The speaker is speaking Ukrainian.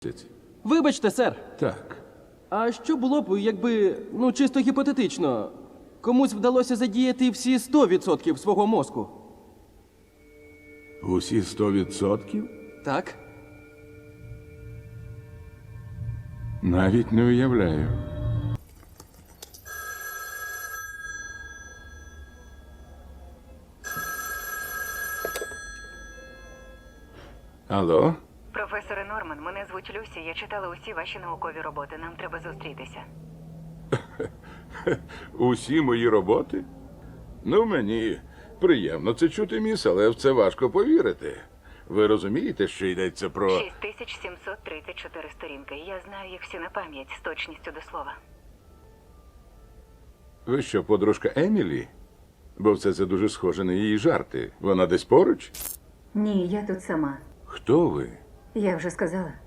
Вибачте, сер. Так. А що було б, якби, чисто гіпотетично, комусь вдалося задіяти всі 100% свого мозку? Усі 100%? Так? Навіть не уявляю. Алло? Професоре Норман, мене звуть Люсі. Я читала усі ваші наукові роботи. Нам треба зустрітися. Усі мої роботи? Ну, мені приємно це чути, міс, але в це важко повірити. Ви розумієте, що йдеться про... 6734 сторінки. Я знаю їх всі на пам'ять з точністю до слова. Ви що, подружка Емілі? Бо все це дуже схоже на її жарти. Вона десь поруч? Ні, я тут сама. Хто ви? Я вже сказала.